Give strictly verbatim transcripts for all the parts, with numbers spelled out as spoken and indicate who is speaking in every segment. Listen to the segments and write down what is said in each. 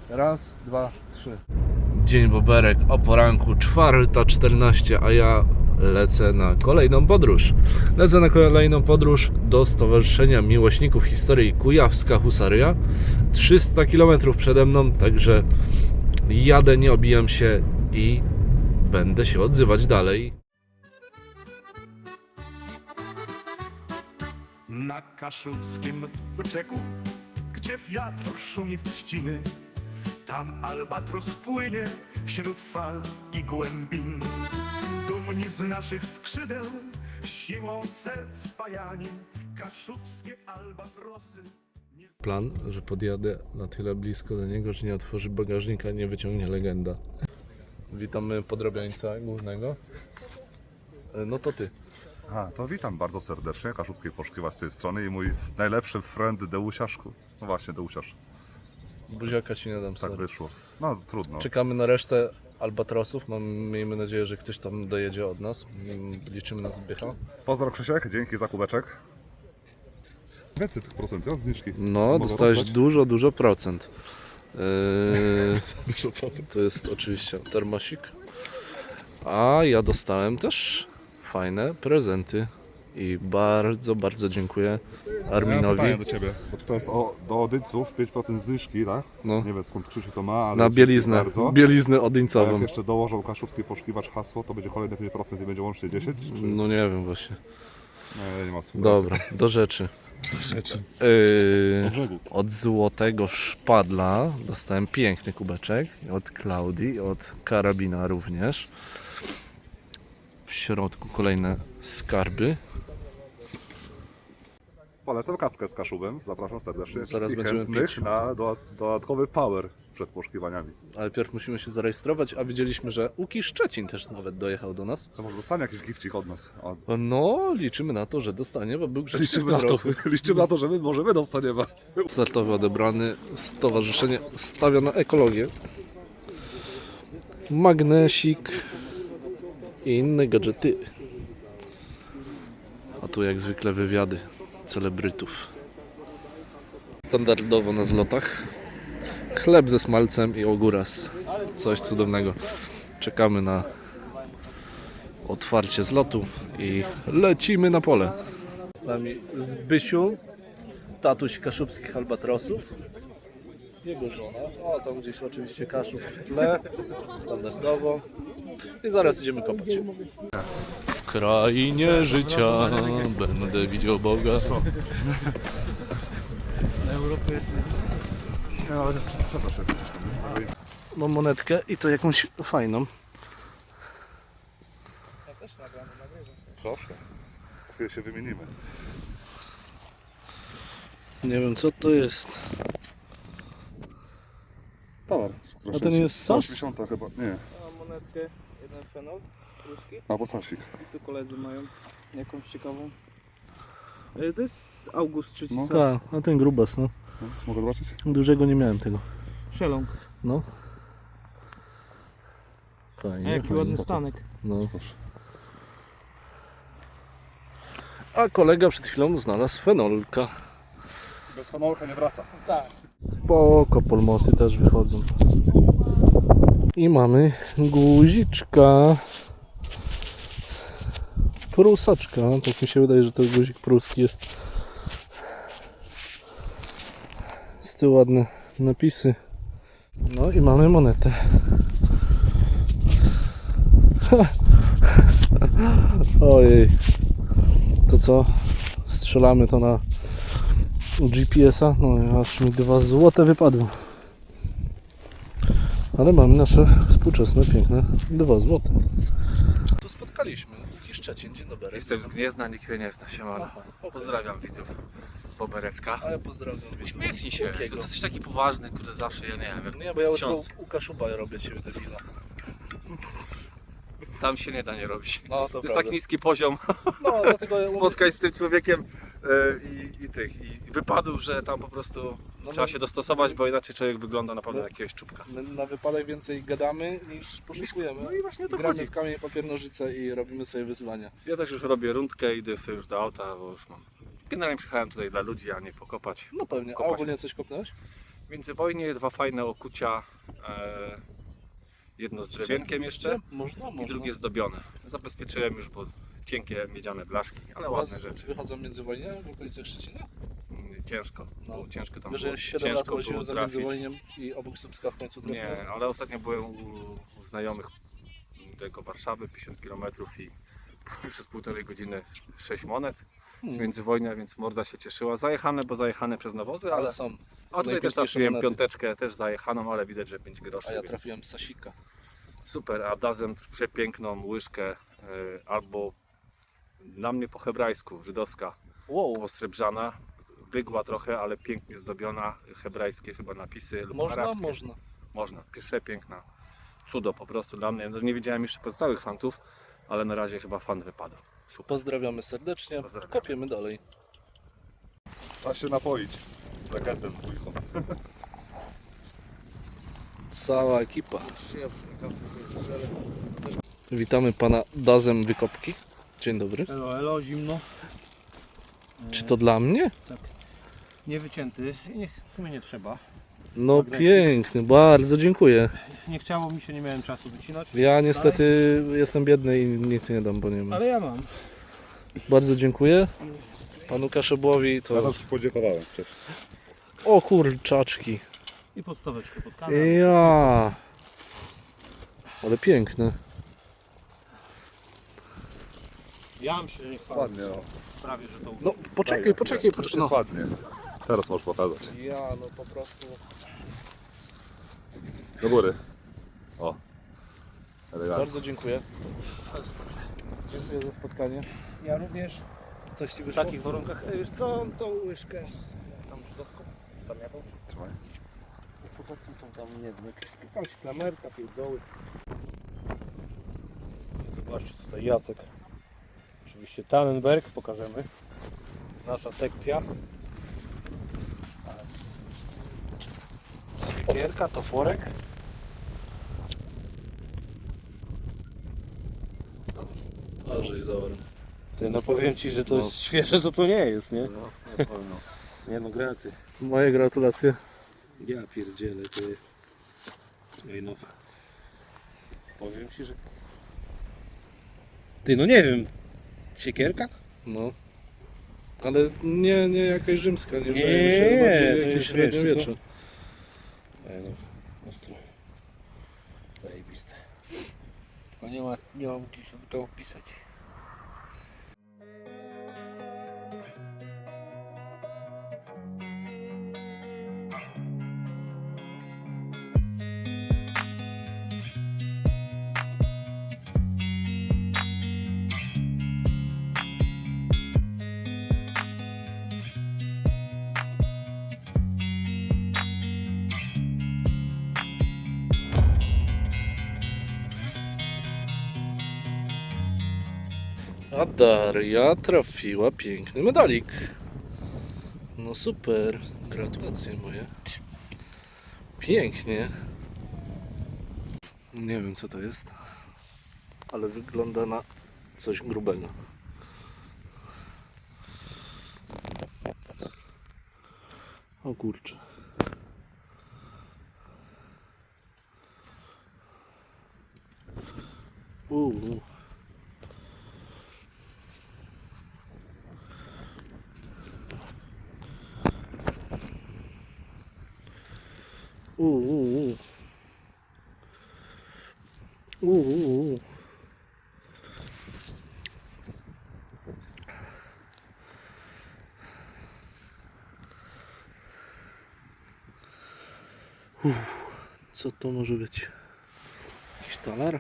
Speaker 1: Raz, dwa, trzy. Dzień boberek o poranku, czwarta czternaście, a ja lecę na kolejną podróż. Lecę na kolejną podróż do Stowarzyszenia Miłośników Historii Kujawska Husaria. trzysta kilometrów przede mną, także jadę, nie obijam się i będę się odzywać dalej.
Speaker 2: Na kaszubskim brzegu, gdzie wiatr szumi w trzciny, tam albatros płynie wśród fal i głębin. Dumni z naszych skrzydeł, siłą serc spajani, kaszubskie albatrosy. Nie...
Speaker 1: Plan, że podjadę na tyle blisko do niego, że nie otworzy bagażnika, nie wyciągnie legenda. Witamy podrobiańca głównego. No to ty.
Speaker 3: A, to witam bardzo serdecznie, Kaszubskiej Poszukiwaч z tej strony i mój najlepszy friend Deusiaszku. No właśnie, Deusiasz.
Speaker 1: Buziaka ci nie dam,
Speaker 3: Tak
Speaker 1: sorry.
Speaker 3: wyszło. No trudno.
Speaker 1: Czekamy na resztę albatrosów. Mam, miejmy nadzieję, że ktoś tam dojedzie od nas. Liczymy na Zbycha.
Speaker 3: Pozdro Krzysiek, dzięki za kubeczek. Więcej tych procent, ja zniżki.
Speaker 1: No,
Speaker 3: Mogę
Speaker 1: dostałeś
Speaker 3: rozdać?
Speaker 1: dużo, dużo procent. Yy,
Speaker 3: Dużo procent.
Speaker 1: to jest oczywiście termosik. A ja dostałem też fajne prezenty. I bardzo, bardzo dziękuję
Speaker 3: Ja mam
Speaker 1: Arminowi.
Speaker 3: pytanie do Ciebie, bo tutaj jest o, do Odyńców pięć procent zniżki, tak?
Speaker 1: No.
Speaker 3: Nie wiem skąd Krzysiu to ma, ale
Speaker 1: Na
Speaker 3: dzięki
Speaker 1: bieliznę,
Speaker 3: bardzo.
Speaker 1: bieliznę
Speaker 3: A
Speaker 1: odyńcową.
Speaker 3: jak jeszcze dołożą Kaszubski Poszukiwacz hasło, to będzie kolejne pięć procent i będzie łącznie dziesięć? Czy...
Speaker 1: No nie wiem właśnie.
Speaker 3: Nie, nie ma współpracy.
Speaker 1: Dobra, do rzeczy.
Speaker 3: Rzeczy.
Speaker 1: Yy,
Speaker 3: brzegu.
Speaker 1: od złotego szpadla dostałem piękny kubeczek. Od Klaudii, od karabina również. W środku kolejne skarby.
Speaker 3: Polecam kawkę z Kaszubem, zapraszam serdecznie
Speaker 1: Zaraz
Speaker 3: wszystkich
Speaker 1: będziemy
Speaker 3: chętnych
Speaker 1: pić.
Speaker 3: na do, dodatkowy power przed poszukiwaniami.
Speaker 1: Ale pierw musimy się zarejestrować, a widzieliśmy, że Łuki Szczecin też nawet dojechał do nas.
Speaker 3: To może dostanie jakiś gifcik od nas. O,
Speaker 1: No, liczymy na to, że dostanie, bo był grzeczny w
Speaker 3: liczymy,
Speaker 1: tym
Speaker 3: na to,
Speaker 1: roku.
Speaker 3: liczymy na to, że my może my dostaniemy.
Speaker 1: Startowy odebrany, stowarzyszenie stawia na ekologię. Magnesik i inne gadżety. A tu jak zwykle wywiady celebrytów. Standardowo na zlotach chleb ze smalcem i ogóras. Coś cudownego. Czekamy na otwarcie zlotu i lecimy na pole. Z nami Zbysiu, tatuś kaszubskich albatrosów. Jego żona. O, tam gdzieś oczywiście Kaszub w tle. Standardowo. I zaraz idziemy kopać. W krainie życia będę widział Boga. Mam monetkę i to jakąś fajną.
Speaker 3: Proszę. Chwilę się wymienimy.
Speaker 1: Nie wiem co to jest.
Speaker 3: Power.
Speaker 1: A to nie jest sos?
Speaker 3: osiemdziesiąt chyba. Nie.
Speaker 4: Mam monetkę, jeden fenol ruski
Speaker 3: Albo sosik.
Speaker 4: i tu koledzy mają jakąś ciekawą. E, To jest August trzeci
Speaker 3: No.
Speaker 4: no.
Speaker 1: Tak, a ten grubas, no.
Speaker 3: No, mogę zobaczyć?
Speaker 1: Dużego nie miałem tego.
Speaker 4: Szeląg.
Speaker 1: No.
Speaker 4: A
Speaker 1: Fajnie.
Speaker 4: jaki
Speaker 1: fajnie.
Speaker 4: ładny stanek.
Speaker 1: No.
Speaker 3: Proszę.
Speaker 1: A kolega przed chwilą znalazł fenolka.
Speaker 3: Bez fenolka nie wraca.
Speaker 1: Spoko, polmosy też wychodzą. I mamy guziczka. Prusaczka. Tak mi się wydaje, że to guzik pruski jest. Z tyłu ładne napisy. No i mamy monetę. Ojej. To co? Strzelamy to na G P S a? No aż mi dwa złote wypadło. Ale mamy nasze współczesne, piękne dwa złote. Tu spotkaliśmy Łuki Szczecin, dzień dobry.
Speaker 5: Jestem z Gniezna, nikt mnie nie zna, siemano. Pozdrawiam widzów Bobereczka.
Speaker 1: A ja pozdrawiam.
Speaker 5: Uśmiechnij się,
Speaker 1: Łukiego.
Speaker 5: to jesteś taki poważny, kurde, zawsze, ja nie wiem,
Speaker 1: Nie, bo ja
Speaker 5: ksiądz.
Speaker 1: u Kaszuba robię ciebie debila.
Speaker 5: Tam się nie da nie robić.
Speaker 1: No to
Speaker 5: To jest
Speaker 1: prawda.
Speaker 5: tak niski poziom
Speaker 1: No dlatego ja
Speaker 5: spotkań z tym człowiekiem e, i, i tych, i wypadów, że tam po prostu
Speaker 1: No,
Speaker 5: trzeba
Speaker 1: no.
Speaker 5: się dostosować, bo inaczej człowiek wygląda na pewno
Speaker 1: No.
Speaker 5: jak jakiegoś czubka.
Speaker 1: My na wypadek więcej gadamy niż poszukujemy.
Speaker 5: No i właśnie o to
Speaker 1: Gramy
Speaker 5: chodzi.
Speaker 1: w kamień papier nożyce i robimy sobie wyzwania.
Speaker 5: Ja też już robię rundkę, idę sobie już do auta, bo już mam. Generalnie przyjechałem tutaj dla ludzi, a nie pokopać.
Speaker 1: No pewnie. A
Speaker 5: Kopać.
Speaker 1: ogólnie coś kopnąłeś?
Speaker 5: Międzywojnie dwa fajne okucia. E, jedno z drewienkiem jeszcze
Speaker 1: Można, można.
Speaker 5: i drugie zdobione. Zabezpieczyłem już, bo cienkie miedziane blaszki, ale ładne rzeczy.
Speaker 1: Wychodzą międzywojnia w okolicach Szczecina?
Speaker 5: Mm, Ciężko,
Speaker 1: No.
Speaker 5: było ciężko tam
Speaker 1: Wiesz,
Speaker 5: było,
Speaker 1: że siedem lat
Speaker 5: ciężko
Speaker 1: łaziłem
Speaker 5: było
Speaker 1: za
Speaker 5: trafić.
Speaker 1: międzywojniem i obok Słupska w końcu trafiłem.
Speaker 5: Nie, ale ostatnio byłem u, u znajomych tego Warszawy, pięćdziesiąt kilometrów i przez półtorej godziny sześć monet z
Speaker 1: Hmm.
Speaker 5: międzywojnia, więc morda się cieszyła. Zajechane, bo zajechane przez nawozy, ale...
Speaker 1: Ale są.
Speaker 5: A tutaj też
Speaker 1: najpiękniejsze
Speaker 5: trafiłem
Speaker 1: monety.
Speaker 5: piąteczkę, też zajechaną, ale widać, że pięć groszy.
Speaker 1: A ja
Speaker 5: więc
Speaker 1: trafiłem z Sasika.
Speaker 5: super, a dazem przepiękną łyżkę, y, albo na mnie po hebrajsku, żydowska,
Speaker 1: Wow,
Speaker 5: posrebrzana, wygła trochę, ale pięknie zdobiona, hebrajskie chyba napisy lub
Speaker 1: można,
Speaker 5: arabskie.
Speaker 1: można.
Speaker 5: Można, przepiękna. Cudo po prostu dla mnie. No, nie widziałem jeszcze pozostałych fantów, ale na razie chyba fan wypadł. Super.
Speaker 1: Pozdrawiamy serdecznie.
Speaker 5: Pozdrawiamy.
Speaker 1: Kopiemy dalej.
Speaker 3: Trzeba się napoić z legendem dwójką.
Speaker 1: Cała ekipa. Witamy pana Dazem Wykopki. Dzień dobry.
Speaker 4: Elo, elo, zimno.
Speaker 1: Czy to dla mnie?
Speaker 4: Nie wycięty. Nie, w sumie nie trzeba.
Speaker 1: No piękny, bardzo dziękuję.
Speaker 4: Nie chciało mi się, nie miałem czasu wycinać.
Speaker 1: Ja niestety jestem biedny i nic nie dam, bo nie mam.
Speaker 4: Ale ja mam.
Speaker 1: Bardzo dziękuję panu Kaszebłowi.
Speaker 3: Ja
Speaker 1: To...
Speaker 3: też podziękowałem wcześniej.
Speaker 1: O kurczaczki.
Speaker 4: I podstaweczkę pod kanał.
Speaker 1: Ja. Ale piękne.
Speaker 4: Ja myślę, że nie chwalę.
Speaker 3: Ładnie, no.
Speaker 4: Prawie, że to
Speaker 1: No poczekaj, poczekaj,
Speaker 3: Już
Speaker 1: poczekaj.
Speaker 3: jest
Speaker 1: No.
Speaker 3: ładnie. Teraz możesz pokazać.
Speaker 1: Ja no po prostu.
Speaker 3: Do góry. O. Elegancko.
Speaker 1: Bardzo dziękuję. Dziękuję za spotkanie.
Speaker 4: Ja również
Speaker 1: Coś ci
Speaker 4: w
Speaker 1: wyszło?
Speaker 4: takich warunkach. Ej, Wiesz co, tą łyżkę. Tam żydowską. Tam jaką?
Speaker 3: Trzymaj.
Speaker 4: Poza tym tą tam nie wiem. Jakaś klamerka, pierdoły. Zobaczcie tutaj Jacek. Oczywiście Tannenberg pokażemy. Nasza sekcja. Siekierka, toporek.
Speaker 1: Dobrze, zaorem.
Speaker 4: Ty, no powiem Ci, że to
Speaker 1: No.
Speaker 4: świeże to to nie jest, nie?
Speaker 1: No, na pewno.
Speaker 4: Nie no, graty.
Speaker 1: Moje gratulacje.
Speaker 4: Ja pierdzielę, ty. Ej no. Powiem Ci, że... Ty, no nie wiem. Siekierka?
Speaker 1: No. Ale nie, nie jakaś rzymska, nie,
Speaker 4: Nie,
Speaker 1: wydaje mi się, że bardziej
Speaker 4: to
Speaker 1: jakieś
Speaker 4: jest, wiesz,
Speaker 1: średniowiecze.
Speaker 4: Ej no, ostro. Zajebiste. No nie ma, nie mam gdzieś to opisać.
Speaker 1: A Daria trafiła piękny medalik. No super, gratulacje moje. Pięknie. Nie wiem co to jest, ale wygląda na coś grubego. O kurczę. Uuu. Uuu. Uuu. Uff, co to może być? Jakiś talar?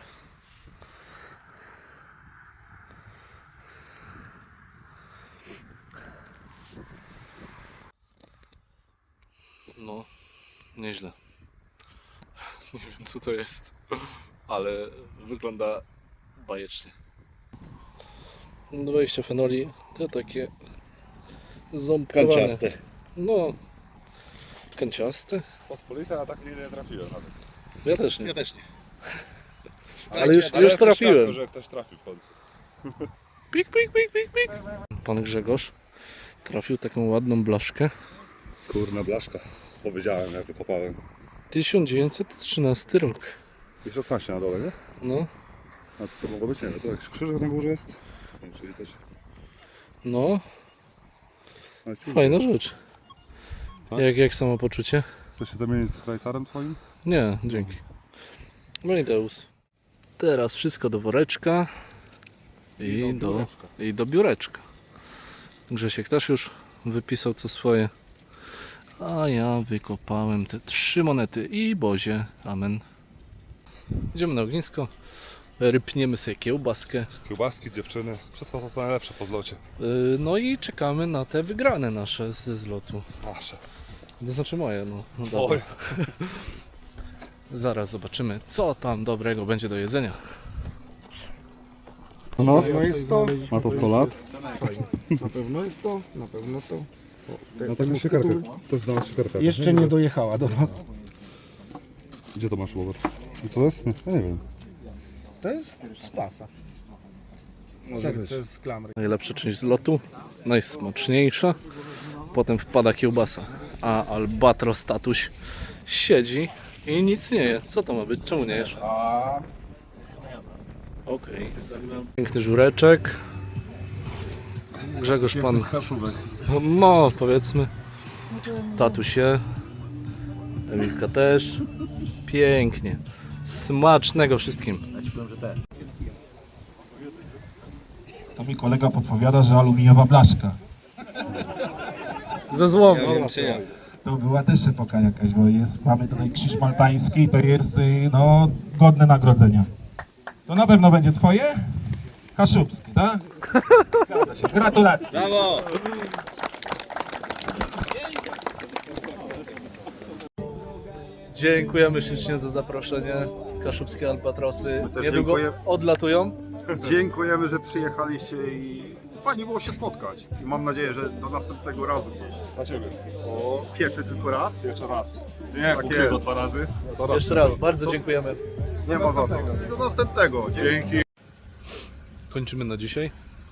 Speaker 1: No, nieźle. Nie wiem co to jest, ale wygląda bajecznie. dwadzieścia fenoli to takie ząbkowane.
Speaker 3: Kanciaste.
Speaker 1: No, kanciaste.
Speaker 3: Pospolite, a tak nie, nie trafiłem nawet.
Speaker 1: Ja też nie.
Speaker 3: Ja też nie.
Speaker 1: Ale już, już trafiłem.
Speaker 3: że ktoś trafił w końcu.
Speaker 1: Pik, pik, pik, pik, pik. Pan Grzegorz trafił taką ładną blaszkę.
Speaker 3: Kurna blaszka. powiedziałem, jak wykopałem.
Speaker 1: tysiąc dziewięćset trzynasty rok.
Speaker 3: I szesnaście na dole, nie?
Speaker 1: No,
Speaker 3: A co to mogło być? Nie wiem, to jakiś krzyżyk na górze jest? Nie, czyli też...
Speaker 1: no,
Speaker 3: Ale ci-
Speaker 1: fajna rzecz.
Speaker 3: Tak?
Speaker 1: Jak, jak samopoczucie?
Speaker 3: Chcesz się zamienić z Rajsarem twoim?
Speaker 1: Nie, dzięki. No i Deus. Teraz wszystko do woreczka i,
Speaker 3: do
Speaker 1: do,
Speaker 3: biureczka.
Speaker 1: i do biureczka. Grzesiek też już wypisał co swoje. A ja wykopałem te trzy monety i bozie. Amen. Idziemy na ognisko. Rypniemy sobie kiełbaskę.
Speaker 3: Kiełbaski, dziewczyny, wszystko to co najlepsze po zlocie.
Speaker 1: Yy, No i czekamy na te wygrane nasze ze zlotu.
Speaker 3: Nasze.
Speaker 1: To znaczy moje, no. no
Speaker 3: Oj.
Speaker 1: dobra. Zaraz zobaczymy, co tam dobrego będzie do jedzenia.
Speaker 3: No,
Speaker 6: No jest to,
Speaker 3: ma to sto lat.
Speaker 6: na pewno jest to, na pewno to. O, te-
Speaker 3: No
Speaker 6: temu
Speaker 3: taką siekierkę.
Speaker 6: tytułu
Speaker 3: To jest dla nas siekierka.
Speaker 6: Jeszcze nie dojechała do nas.
Speaker 3: Gdzie to masz, Robert? I co jest? Ja nie wiem.
Speaker 6: To jest z pasa. Serce z klamry.
Speaker 1: Najlepsza część zlotu, najsmaczniejsza. Potem wpada kiełbasa, a albatros tatuś siedzi i nic nie je. Co to ma być? Czemu nie jesz? Okej. Piękny żureczek. Grzegorz pan... No, powiedzmy. Tatuś je. Emilka też. Pięknie. Smacznego wszystkim.
Speaker 7: To mi kolega podpowiada, że aluminiowa blaszka.
Speaker 1: Ze złomu.
Speaker 7: To była też epoka jakaś, bo jest, mamy tutaj krzyż maltański, to jest y, no, godne nagrodzenia. To na pewno będzie twoje? Kaszubskie, tak? Zgadza się. Gratulacje.
Speaker 5: Brawo!
Speaker 1: Dziękujemy ślicznie za zaproszenie. Kaszubskie Albatrosy
Speaker 8: też
Speaker 1: niedługo
Speaker 8: dziękuję.
Speaker 1: odlatują.
Speaker 8: Dziękujemy, że przyjechaliście i fajnie było się spotkać. I mam nadzieję, że do następnego razu gdzieś.
Speaker 3: Dla ciebie.
Speaker 8: O, pieczy tylko raz.
Speaker 3: Jeszcze raz. Nie,
Speaker 8: Tak
Speaker 3: ukrywa
Speaker 8: jest.
Speaker 3: dwa razy.
Speaker 1: Jeszcze raz, bardzo dziękujemy.
Speaker 8: Nie ma za co. I do następnego.
Speaker 3: Dzięki.
Speaker 1: Kończymy na dzisiaj.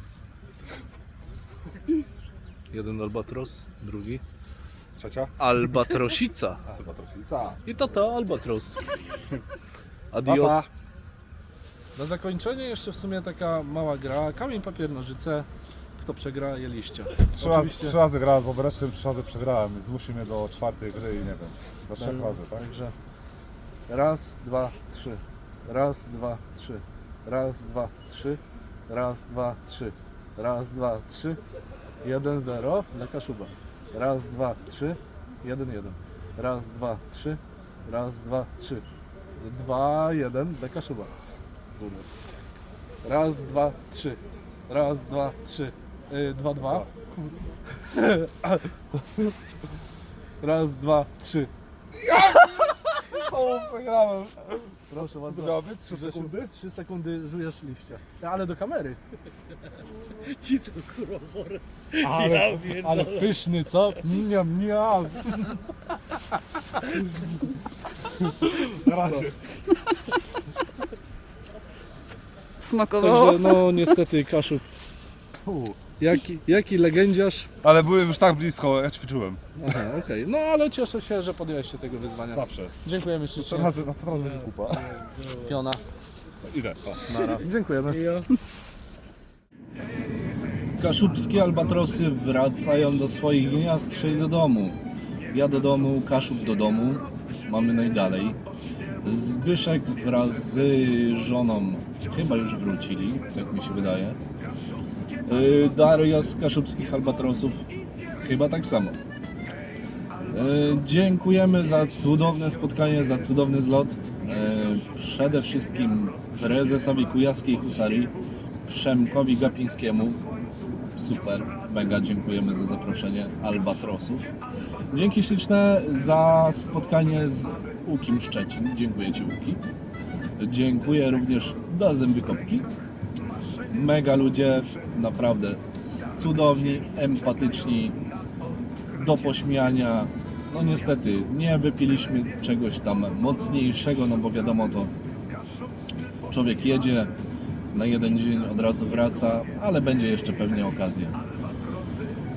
Speaker 1: Jeden albatros, drugi
Speaker 3: Trzecia?
Speaker 1: albatrosica.
Speaker 3: Chyba trochę.
Speaker 1: I to to albatros. Adios.
Speaker 3: Pa, pa.
Speaker 9: Na zakończenie jeszcze w sumie taka mała gra. Kamień, papier, nożyce. Kto przegra, je liście.
Speaker 3: Trzy razy,
Speaker 9: Oczywiście-
Speaker 3: trzy razy grałem z Bobereczkiem, trzy razy przegrałem. Zmusił mnie do czwartej gry i nie wiem. Do trzech razy, tak?
Speaker 9: Także raz, dwa, trzy. Raz, dwa, trzy. Raz, dwa, trzy. Raz, dwa, trzy. Raz, dwa, trzy. Jeden, zero dla Kaszuba. Raz, dwa, trzy. Jeden, jeden. Raz, dwa, trzy. Raz, dwa, trzy. Dwa, jeden dla Kaszuba. Kurde. Raz, dwa, trzy. Raz, dwa, trzy. Y, dwa, dwa. Raz, dwa, trzy. O, przegrałem. Proszę bardzo.
Speaker 3: miało być? Trzy sekundy?
Speaker 9: Trzy sekundy żujesz liścia. Ale do kamery.
Speaker 4: Ci są kurowory.
Speaker 9: Ale, ale pyszny, co? Miam, miam.
Speaker 3: Na razie.
Speaker 10: Smakowało?
Speaker 9: Także no niestety Kaszub. Jaki, jaki legendziarz.
Speaker 3: Ale byłem już tak blisko, ja ćwiczyłem.
Speaker 9: Aha, okej. No ale cieszę się, że podjąłeś się tego wyzwania.
Speaker 3: Zawsze.
Speaker 9: Dziękujemy
Speaker 3: Trzy
Speaker 9: ślicznie.
Speaker 3: razy, następny raz będzie kupa.
Speaker 9: Piona.
Speaker 3: Idę. Pa.
Speaker 9: Nara. Dziękujemy.
Speaker 1: Kaszubskie albatrosy wracają do swoich gniazd, czyli do domu. Ja do domu, Kaszub do domu. Mamy najdalej. Zbyszek wraz z żoną chyba już wrócili, tak mi się wydaje. Yy, Daria z Kaszubskich Albatrosów chyba tak samo. Yy, Dziękujemy za cudowne spotkanie, za cudowny zlot. Yy, Przede wszystkim prezesowi Kujawskiej Husarii, Przemkowi Gapińskiemu. Super, mega dziękujemy za zaproszenie Albatrosów. Dzięki śliczne za spotkanie z Łukim Szczecin. Dziękuję Ci, Łuki. Dziękuję również do Zębykopki. Mega ludzie, naprawdę cudowni, empatyczni, do pośmiania. No niestety, nie wypiliśmy czegoś tam mocniejszego, no bo wiadomo to człowiek jedzie na jeden dzień, od razu wraca, ale będzie jeszcze pewnie okazja.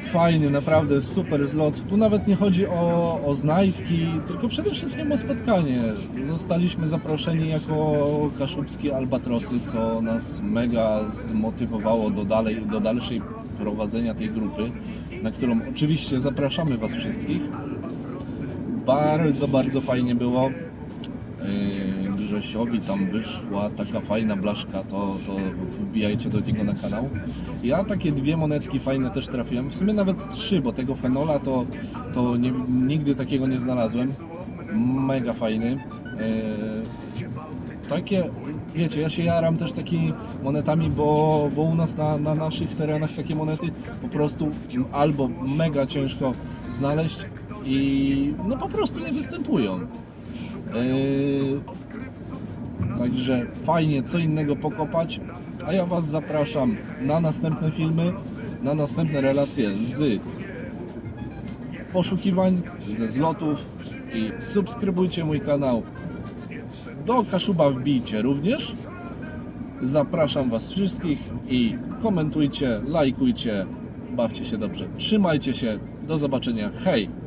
Speaker 1: fajny, naprawdę super zlot. Tu nawet nie chodzi o, o znajdki, tylko przede wszystkim o spotkanie. Zostaliśmy zaproszeni jako kaszubskie albatrosy, co nas mega zmotywowało do, dalej, do dalszej prowadzenia tej grupy, na którą oczywiście zapraszamy Was wszystkich. Bardzo, bardzo fajnie było. Yy, Grzesiowi tam wyszła taka fajna blaszka, to, to wbijajcie do niego na kanał. Ja takie dwie monetki fajne też trafiłem, w sumie nawet trzy, bo tego fenola to, to nie, nigdy takiego nie znalazłem. Mega fajny. Yy, takie, wiecie, ja się jaram też takimi monetami, bo, bo u nas na, na naszych terenach takie monety po prostu albo mega ciężko znaleźć i no po prostu nie występują. Yy, także fajnie co innego pokopać, a ja Was zapraszam na następne filmy, na następne relacje z poszukiwań, ze zlotów i subskrybujcie mój kanał. Do Kaszuba wbijcie również. Zapraszam Was wszystkich i komentujcie, lajkujcie, bawcie się dobrze. Trzymajcie się, do zobaczenia, hej!